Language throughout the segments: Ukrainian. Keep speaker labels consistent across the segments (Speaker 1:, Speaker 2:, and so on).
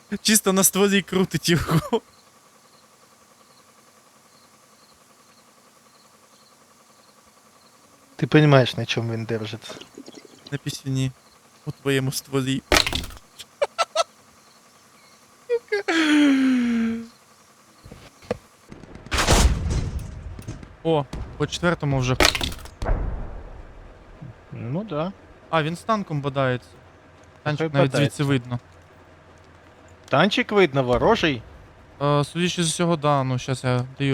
Speaker 1: Чисто на стволі крутить його.
Speaker 2: Ти розумієш, на чому він держиться.
Speaker 1: На пісюні. У твоєму стволі. О, по четвертому вже.
Speaker 2: Ну да.
Speaker 1: А, він з танком бодається. Танчик
Speaker 2: Хай
Speaker 1: навіть
Speaker 2: бодається.
Speaker 1: звідси видно.
Speaker 2: Танчик видно, ворожий.
Speaker 1: Судячи з усього, да, ну щас я даю.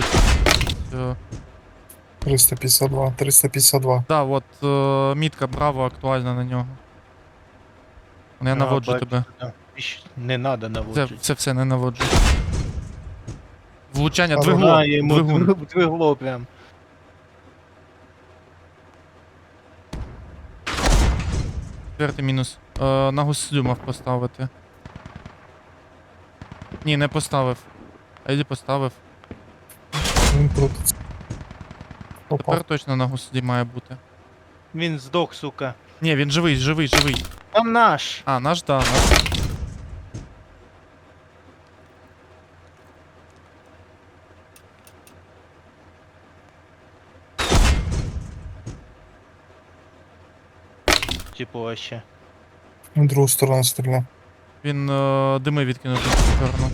Speaker 3: 352, 352.
Speaker 1: Да, от мітка Браво актуальна на нього. Я наводжу
Speaker 2: бачу,
Speaker 1: тебе.
Speaker 2: да. Не надо
Speaker 1: Це
Speaker 2: наводжити.
Speaker 1: все не наводжу. Влучання,
Speaker 3: Ага,
Speaker 1: двигло,
Speaker 2: Я йому
Speaker 1: двигун.
Speaker 2: двигло прям.
Speaker 1: Четвертий мінус. На гуслю мав поставити. Ні, не поставив. А якщо поставив.
Speaker 3: Він крутиться. Попав.
Speaker 1: Тепер точно на гуслі має бути.
Speaker 2: Він здох, сука.
Speaker 1: Ні, він живий, живий, живий.
Speaker 2: Там наш.
Speaker 1: А, наш, да, наш.
Speaker 2: Типу вообще.
Speaker 3: В другу сторону стріляє.
Speaker 1: Він дими відкинув в цю сторону.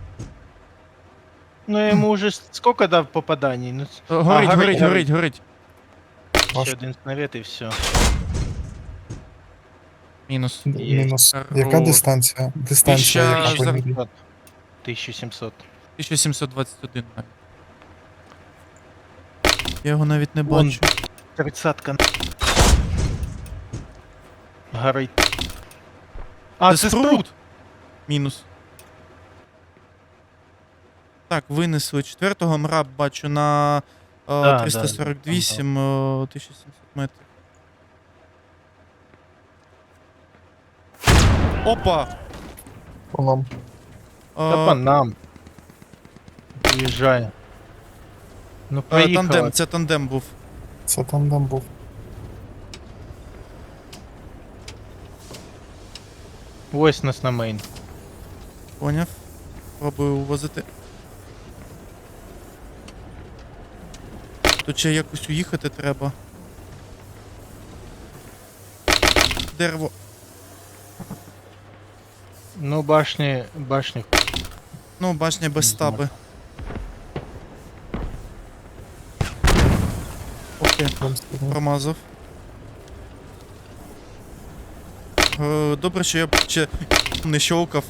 Speaker 2: Ну я йому вже сколько дав попаданій? Ну,
Speaker 1: Горить,
Speaker 2: горить,
Speaker 1: горить,
Speaker 2: горить.
Speaker 1: горить, горить.
Speaker 2: ще
Speaker 3: Ваш.
Speaker 2: один снаряд і все.
Speaker 1: Мінус.
Speaker 3: Мінус.
Speaker 1: Хорош.
Speaker 3: Яка дистанція? Дистанція,
Speaker 1: Тисяча
Speaker 3: яка
Speaker 1: за-
Speaker 3: по ній?
Speaker 2: 1700.
Speaker 1: 1721 навіть. Я його навіть не
Speaker 2: Вон.
Speaker 1: бачу.
Speaker 2: 30-ка. Горить. А, це спрут!
Speaker 1: Мінус. Так, винесли четвертого. Мраб бачу на
Speaker 2: Да,
Speaker 1: 348, 1700 метрів. Опа!
Speaker 3: По нам.
Speaker 2: Та по нам. Приїжджає. Ну поїхала.
Speaker 1: Тандем, це тандем був.
Speaker 3: Це там був.
Speaker 2: Ось нас на мейн.
Speaker 1: Поняв. Пробую увозити. Тут ще якось уїхати треба. Дерево.
Speaker 2: Ну башні.
Speaker 1: Ну, башня без
Speaker 2: Не знаю.
Speaker 1: стаби. Окей,
Speaker 3: Там стріляє.
Speaker 1: промазав. Добре, що я ще не щолкав.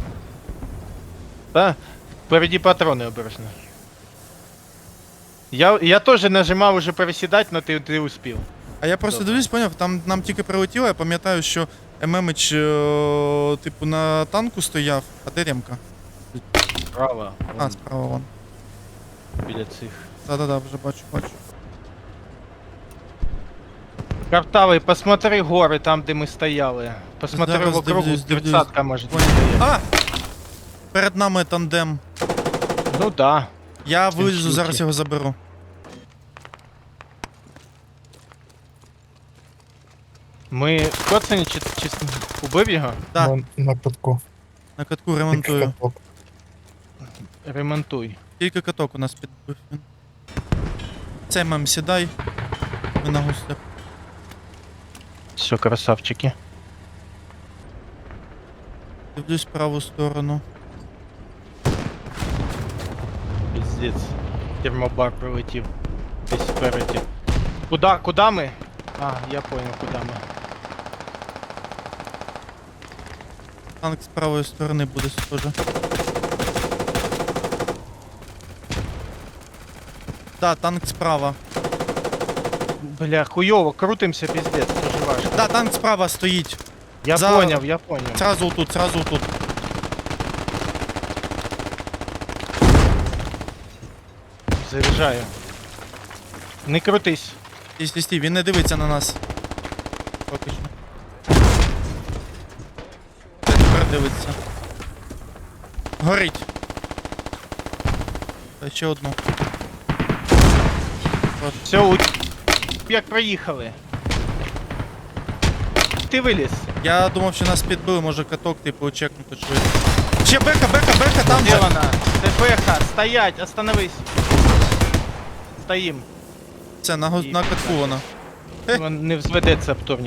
Speaker 2: Та, впереді патрони обережно. Я теж нажимав уже пересідати, но ти успів.
Speaker 1: А я просто
Speaker 2: Добре.
Speaker 1: дивлюсь, поняв, там нам тільки прилетіло, я пам'ятаю, що ММич, типу, на танку стояв, а де Ремка?
Speaker 2: Право.
Speaker 1: А, справа вон.
Speaker 2: Біля цих.
Speaker 1: Да-да-да, вже бачу.
Speaker 2: Картавий, посмотри гори там, де ми стояли. Посмотри
Speaker 1: Зараз
Speaker 2: вокруг,
Speaker 1: дивлюсь.
Speaker 2: 30-ка може
Speaker 1: Поняв.
Speaker 2: стояти.
Speaker 1: А! Перед нами тандем.
Speaker 2: Ну да.
Speaker 1: Я
Speaker 2: Він
Speaker 1: вилізу,
Speaker 2: шлюхи.
Speaker 1: зараз його заберу.
Speaker 2: Ми коцані чи убив його?
Speaker 1: Да.
Speaker 3: На катку.
Speaker 1: На катку ремонтую.
Speaker 3: Каток.
Speaker 2: Ремонтуй.
Speaker 1: Тільки каток у нас підбив він. Це, мам, сідай. Ми на гуслях.
Speaker 2: Все, красавчики.
Speaker 1: Дивлюсь праву сторону.
Speaker 2: Пиздец. Термобар прилетів. Десь спереді. Куда ми? А, я понял, куда ми.
Speaker 1: Танк з правої сторони буде схоже. Да, танк справа.
Speaker 2: Бля, хуйово, крутимся, пиздец, дуже важко.
Speaker 1: Да, танк справа стоїть.
Speaker 2: Я
Speaker 1: За-
Speaker 2: понял.
Speaker 1: Сразу тут, сразу тут.
Speaker 2: Заряджаю. Не крутись.
Speaker 1: Стій, він не дивиться на нас. Поки що. Тепер дивиться. Горить. Та ще одну.
Speaker 2: Все, як проїхали. Ти виліз.
Speaker 1: Я думав, що нас підбили, може каток, типу, чекнути швидко. Ще беха, там
Speaker 2: Де
Speaker 1: же.
Speaker 2: вона? ТПХ, стоять, остановись. Стоїм.
Speaker 1: Це на катку вона.
Speaker 2: Не взведеться вторник.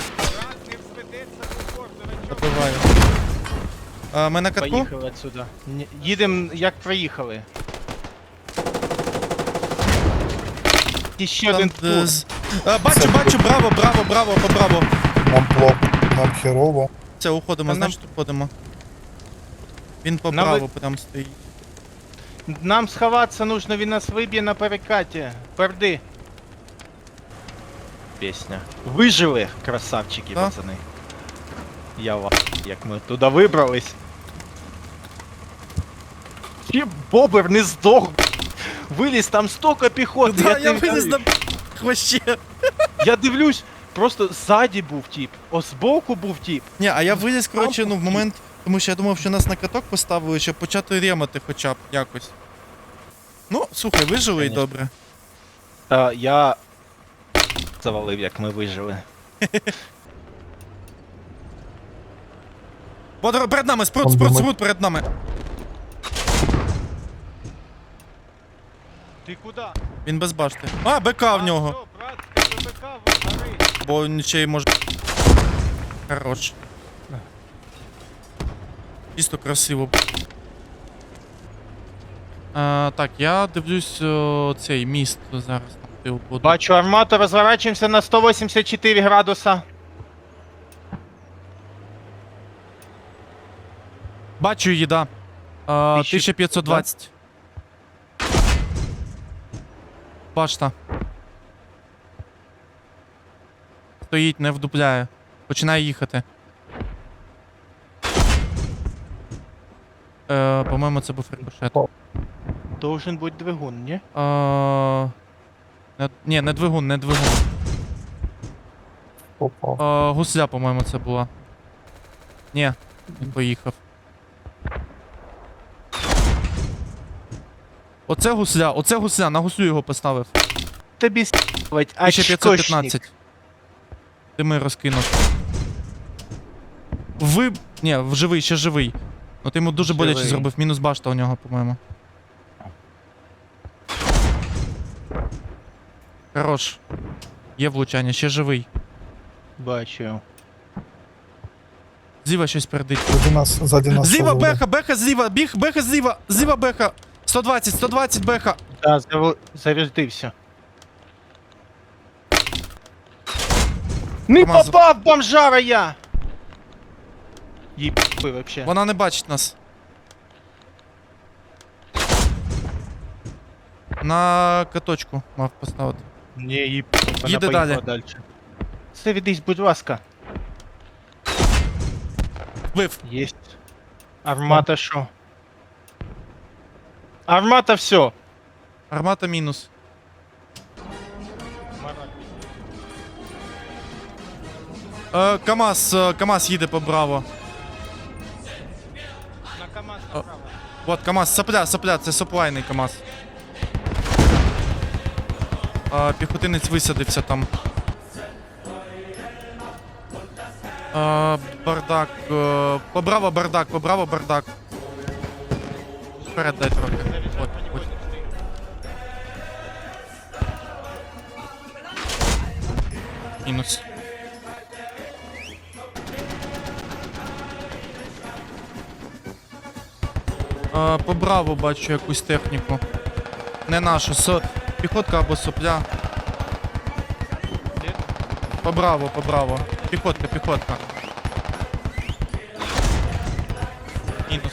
Speaker 1: Забиваю. Ми на катку?
Speaker 2: Поїхали отсюда. Їдемо як проїхали. І ще один
Speaker 1: Там,
Speaker 2: тур.
Speaker 1: бачу, браво, по браво.
Speaker 3: Нам плохо, нам херово.
Speaker 1: Все, уходимо,
Speaker 2: Та нам-
Speaker 1: значить уходимо. Він по
Speaker 2: Нам
Speaker 1: браво прям стоїть.
Speaker 2: Нам сховатися нужно, він нас виб'є на перекаті. Перди. Пісня. Вижили, красавчики,
Speaker 1: Да.
Speaker 2: пацани. Я вас, як ми туди вибрались. Чи бобер не здох. Виліз, там столько піхоти.
Speaker 1: Да, я
Speaker 2: тобі
Speaker 1: виліз
Speaker 2: кажу.
Speaker 1: на вообще.
Speaker 2: Я дивлюсь, просто ззаді був тіп, збоку був тіп.
Speaker 1: Ні, а я виліз, коротше, ну в момент, тому що я думав, що нас на каток поставили, щоб почати ремати хоча б якось. Ну, слухай, вижили і
Speaker 2: Конечно.
Speaker 1: добре.
Speaker 2: Я завалив, як ми вижили.
Speaker 1: Перед нами, спрут
Speaker 3: Он думає-
Speaker 1: перед нами.
Speaker 2: Ти куди?
Speaker 1: Він без башти. А, БК в нього.
Speaker 2: Брат, БК вгори.
Speaker 1: Бо він ще й може. Хорош. Чисто красиво. Так, я дивлюсь цей міст зараз там ти буду.
Speaker 2: Бачу армату, розворачуємося на 184 градуса.
Speaker 1: Бачу її, да. 1520. Башта. Стоїть, не вдупляє. Починає їхати. По-моєму, це був рикошет.
Speaker 2: Должен бути двигун, ні?
Speaker 1: Ні, не двигун.
Speaker 3: Попав.
Speaker 1: Гусля, по-моєму, це була. Ні, він поїхав. Оце гусля, на гуслю його поставив.
Speaker 2: Тобі с**вать, а
Speaker 1: 1515. Дими розкинув. Ні, живий, ще живий. Ну ти йому дуже боляче
Speaker 2: Живий.
Speaker 1: зробив. Мінус башта у нього, по-моєму. Хорош. Є влучання, ще живий.
Speaker 2: Бачу.
Speaker 1: Зліва щось передить.
Speaker 3: Ззаді нас.
Speaker 1: Зліва
Speaker 3: повели.
Speaker 1: беха зліва, беха зліва, зліва беха. 120 беха.
Speaker 2: Да, зарядився. Не
Speaker 1: Помазав.
Speaker 2: попав, бомжара я! Єб***й вообще.
Speaker 1: Вона не бачить нас. На каточку мав поставити.
Speaker 2: Не, їб... Вона
Speaker 1: Їде
Speaker 2: поїхала
Speaker 1: далі.
Speaker 2: далі. Заведись, будь ласка.
Speaker 1: Вбив.
Speaker 2: Єсть. Армата що? Армата все.
Speaker 1: Армата мінус. КамАЗ їде по браво.
Speaker 2: На КамАЗ
Speaker 1: О.
Speaker 2: направо.
Speaker 1: Вот КамАЗ, сопля, це соплайний КамАЗ. Піхотинець висадився там. Бардак. По браво бардак. Вперед дай трохи. От. Мінус. По браво бачу якусь техніку. Не нашу, піхотка або сопля.
Speaker 2: Де?
Speaker 1: По браво. Піхотка. Мінус.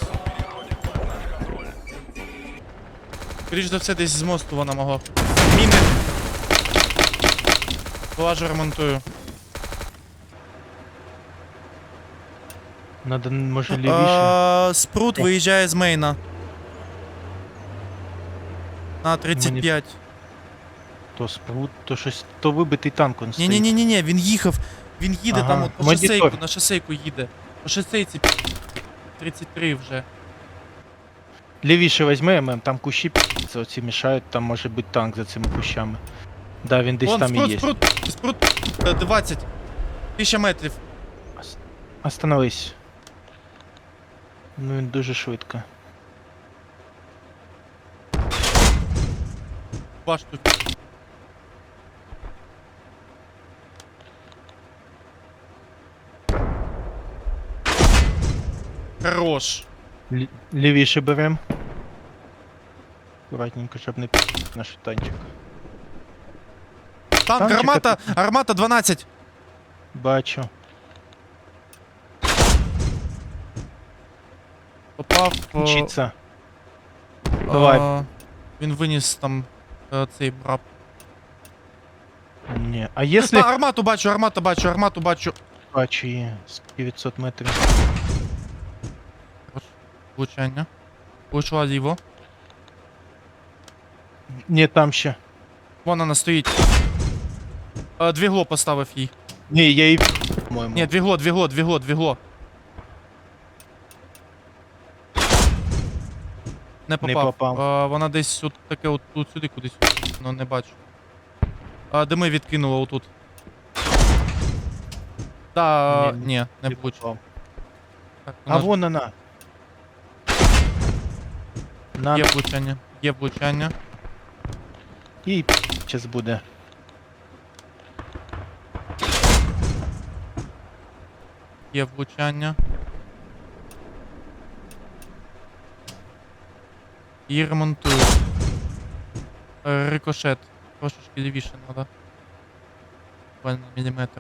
Speaker 1: Скоріш за все, десь з мосту вона могла. Міни. Влажу ремонтую.
Speaker 2: Надо, може, лівіше.
Speaker 1: Спрут виїжджає з мейна. На 35.
Speaker 2: То спрут, то щось, то вибитий танк он стоїть.
Speaker 1: Ні, він їхав. Він їде
Speaker 2: Ага,
Speaker 1: там, от по
Speaker 2: монітор.
Speaker 1: шосейку, на шосейку їде. По шосейці 33 вже.
Speaker 2: Лівіше візьми, там кущі п***ться, оці мішають, там може бути танк за цими кущами. Да, він десь
Speaker 1: Вон,
Speaker 2: там і є.
Speaker 1: спрут 20. 1000 метрів.
Speaker 2: Остановись. Ну він дуже швидко.
Speaker 1: Башту. Хорош.
Speaker 2: Лівіше берем. Аккуратненько, щоб не наш танчик.
Speaker 1: Танк,
Speaker 2: Танчик
Speaker 1: гармата, гармата 12.
Speaker 2: Бачу.
Speaker 1: Попав.
Speaker 2: Вчиться. Давай.
Speaker 1: Він виніс там цей браб.
Speaker 2: Ні. А якщо...
Speaker 1: Армату бачу, армату бачу.
Speaker 2: Бачу її з 900 метрів.
Speaker 1: Хорош. Влучання. Влучила ліво.
Speaker 2: Ні, там ще.
Speaker 1: Вон вона стоїть. Двігло поставив їй.
Speaker 2: Ні, я її... По-моєму.
Speaker 1: Ні, двігло. Не попав.
Speaker 2: попав.
Speaker 1: Вона десь от таке от тут сюди кудись. Ну не бачу. Дими відкинула отут. Да,
Speaker 2: Ні,
Speaker 1: ні, не
Speaker 2: Не
Speaker 1: влучила.
Speaker 2: попав.
Speaker 1: Так,
Speaker 2: А вон вона. На...
Speaker 1: Є влучання.
Speaker 2: І час буде.
Speaker 1: Є влучання. Її ремонтують. Рикошет. Трошечки лівіше треба. Буквально міліметр.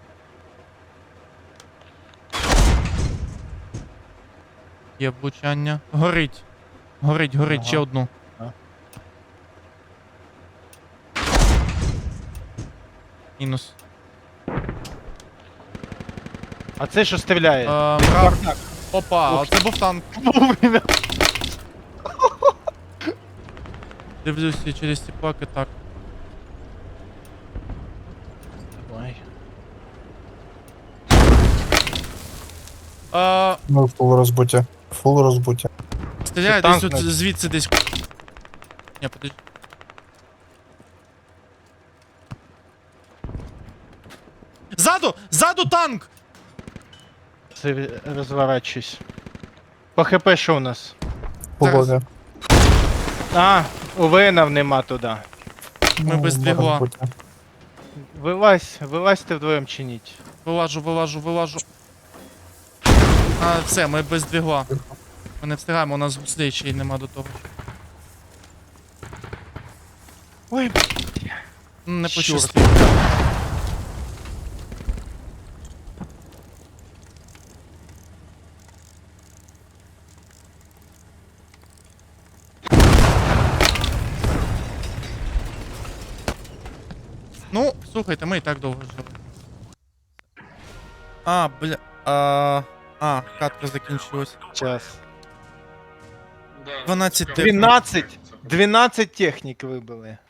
Speaker 1: Є влучання. Горить. Горить,
Speaker 2: Ага.
Speaker 1: ще одну.
Speaker 2: А.
Speaker 1: Мінус.
Speaker 2: А це що стріляє?
Speaker 1: Брав. Опа,
Speaker 2: Ох.
Speaker 1: оце був танк.
Speaker 2: Вовремя.
Speaker 1: Дивлюся через ці паки так.
Speaker 2: Давай.
Speaker 3: Ну, фул розбуття. Фул розбуття.
Speaker 1: Стріляє
Speaker 2: Це
Speaker 1: десь
Speaker 2: танк,
Speaker 1: тут
Speaker 2: значить.
Speaker 1: звідси десь. Ні, подожди. Ззаду танк!
Speaker 2: Це розворачуюсь. По ХП що у нас?
Speaker 3: Полові.
Speaker 2: А, у Венов нема туди.
Speaker 1: Ми без двігла.
Speaker 3: розбуття.
Speaker 2: Вилазьте вдвоєм чиніть.
Speaker 1: Вилажу. Все, ми без двігла. Ми не встигаємо, у нас гуслей ще й нема до того.
Speaker 2: Ой,
Speaker 1: Не
Speaker 2: Чорт.
Speaker 1: пощастило. Ну, слухайте, ми і так довго жили. Катка закінчилась.
Speaker 2: час.
Speaker 1: 12 технік.
Speaker 2: 12 технік вибили.